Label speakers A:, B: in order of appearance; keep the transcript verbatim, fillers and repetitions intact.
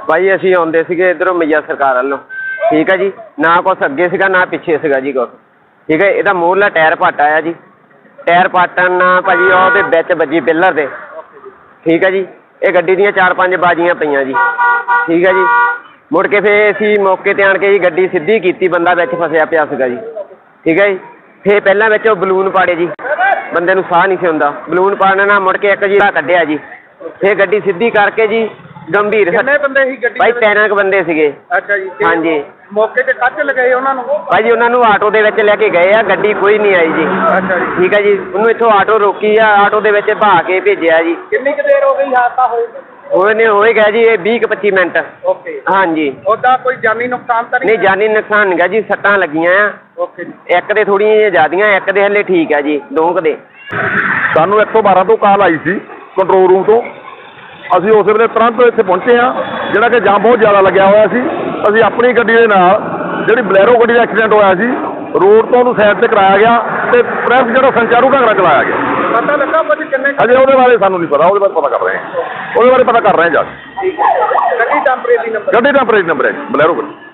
A: भाई असीं आउंदे सीगे इधरों मैया सरकार वालों, ठीक है जी। ना कुछ अगे सीगा ना पिछे सीगा जी कुछ, ठीक है। इहदा मूहरला टायर पट आया जी, टायर पटन ना भाजी ਉਹਦੇ ਵਿੱਚ ਵੱਜੀ ਪਿੱਲਰ ਦੇ, ठीक है जी। ये गड्डी ਦੀਆਂ चार पांच बाजियां ਪਈਆਂ जी, ठीक है जी। मुड़ के फिर ਅਸੀਂ मौके ਤੇ ਆਣ ਕੇ ਜੀ ਗੱਡੀ ਸਿੱਧੀ ਕੀਤੀ, ਬੰਦਾ ਵਿੱਚ ਫਸਿਆ ਪਿਆ ਸੀਗਾ ਜੀ, ठीक है जी। फिर ਪਹਿਲਾਂ ਵਿੱਚ ਉਹ ਬਲੂਨ ਪਾੜੇ ਜੀ, ਬੰਦੇ ਨੂੰ ਸਾਹ ਨਹੀਂ ਸੀ ਹੁੰਦਾ, ਬਲੂਨ ਪਾੜਨ ਨਾਲ ਮੁੜ ਕੇ ਇੱਕ ਜੀ ਕੱਢਿਆ ਜੀ। फिर ਗੱਡੀ ਸਿੱਧੀ ਕਰਕੇ ਜੀ गंभीर
B: कितने बंदे ही गड्डी
A: भाई तेरह क बंदे सीगे।
B: अच्छा जी।
A: हाँ जी।
B: मौके ते कच लगे उन्होंने
A: भाई जी उन्होंने आटो दे विच लेके गए आ, गड्डी कोई नहीं आई जी।
B: अच्छा जी।
A: ठीक है जी। उन्होंने इत्थों आटो रोकी आ, आटो दे विच बहा के भेजिया जी।
B: कितनी क देर हो गई हादसा होए?
A: होने होए गया जी बीस क पच्ची मिनट।
B: ओके।
A: हाँ जी।
B: ओदा कोई जानी नुकसान तो
A: नहीं? जानी नुकसान नहीं गा जी, सट्टां लगियां आ।
B: ओके जी।
A: एक दे थोड़ी ज्यादियां, एक दे हले ठीक है जी, दो क दे।
C: ਸਾਨੂੰ एक सौ बारह ਤੋਂ ਕਾਲ ਆਈ ਸੀ ਕੰਟਰੋਲ ਰੂਮ ਤੋਂ। ਅਸੀਂ ਉਸ ਵੇਲੇ ਤੁਰੰਤ ਇੱਥੇ ਪਹੁੰਚੇ ਹਾਂ, ਜਿਹੜਾ ਕਿ ਜਾਮ ਬਹੁਤ ਜ਼ਿਆਦਾ ਲੱਗਿਆ ਹੋਇਆ ਸੀ। ਅਸੀਂ ਆਪਣੀ ਗੱਡੀ ਦੇ ਨਾਲ ਜਿਹੜੀ ਬਲੈਰੋ ਗੱਡੀ ਦਾ ਐਕਸੀਡੈਂਟ ਹੋਇਆ ਸੀ, ਰੋਡ ਤੋਂ ਉਹਨੂੰ ਸਾਈਡ ਤੇ ਕਰਾਇਆ ਗਿਆ ਤੇ ਪ੍ਰੈਸ ਜਿਹੜਾ ਸੰਚਾਰੂ ਘਾਗਰਾ ਚਲਾਇਆ ਗਿਆ।
B: पता लगा भाजी कितने
C: ਅਜੇ ਉਹਦੇ ਬਾਰੇ ਸਾਨੂੰ ਨਹੀਂ ਪਤਾ, ਉਹਦੇ ਬਾਰੇ ਪਤਾ ਕਰ ਰਹੇ ਹਾਂ, ਉਹਦੇ ਬਾਰੇ ਪਤਾ ਕਰ ਰਹੇ ਹਾਂ ਜਾ ਕੇ।
B: गड्डी टेम्परेरी नंबर
C: ਗੱਡੀ ਦਾ ਨੰਬਰ ਹੈ ਬਲੈਰੋ ਗੱਡੀ।